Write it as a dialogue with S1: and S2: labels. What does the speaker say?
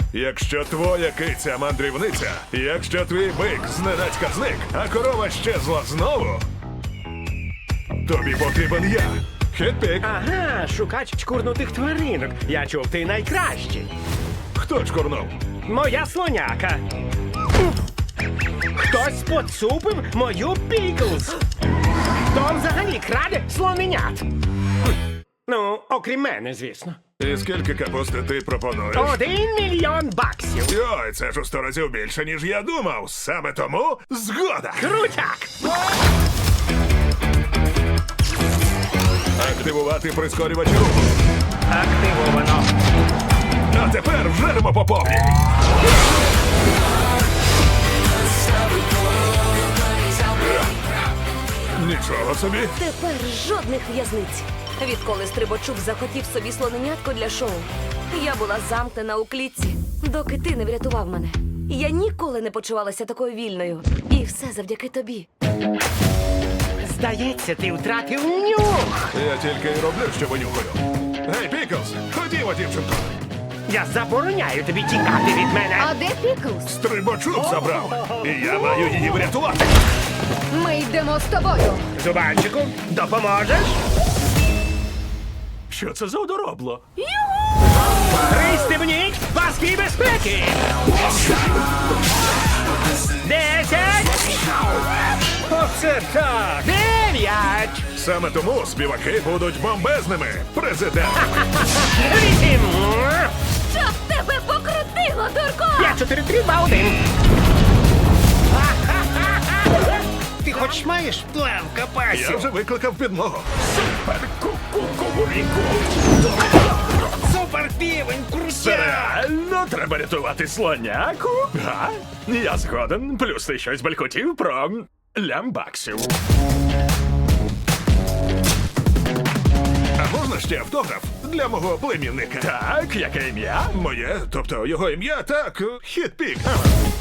S1: Якщо твоя киця мандрівниця, якщо твій бик зненацька зник, а корова щезла знову, тобі потрібен я. Хетпік.
S2: Ага, шукач чкурнутих тваринок. Я чув, ти найкращий.
S1: Хто чкурнув?
S2: Моя слоняка. Хтось поцупив мою Піклз. Хто взагалі краде слоненят? Ну, окрім мене, звісно.
S1: І скільки капусти ти пропонуєш?
S2: 1 мільйон баксів.
S1: Йой, це ж у 100 разів більше, ніж я думав. Саме тому згода.
S2: Крутяк!
S1: Активувати прискорювач руху.
S2: Активовано.
S1: А тепер вжеремо по повній. Нічого собі.
S3: Тепер жодних в'язниць. Відколи Стрибачук захотів собі слоненятко для шоу, я була замкнена у клітці, доки ти не врятував мене. Я ніколи не почувалася такою вільною. І все завдяки тобі.
S2: Здається, ти втратив нюх.
S1: Я тільки й роблю, що винюхаю. Гей, Піклз, ходімо, дівчинко.
S2: Я забороняю тобі тікати від мене.
S4: А де Піклз?
S1: Стрибачок забрав. І я маю її врятувати.
S4: Ми йдемо з тобою.
S2: Зубанчику, допоможеш?
S1: Що це за одоробло?
S2: Пристебніть паски безпеки! 10! Оце так! 9!
S1: Саме тому співаки будуть бомбезними. Президент.
S2: 8!
S3: Щоб тебе покрутило, дурко!
S2: 5, 4, 3, 2, 1! Ти хоч маєш план
S1: Я
S2: капасів?
S1: вже викликав підмогу.
S2: Супер півень, крутяк!
S5: Реально треба рятувати слоняку? Га? Я згоден. Плюс ти щось балькотів про лямбаксів.
S1: А можна ще автограф для мого племінника?
S5: Так, яке ім'я?
S1: Моє, тобто його ім'я, так, Хітпік. Ага.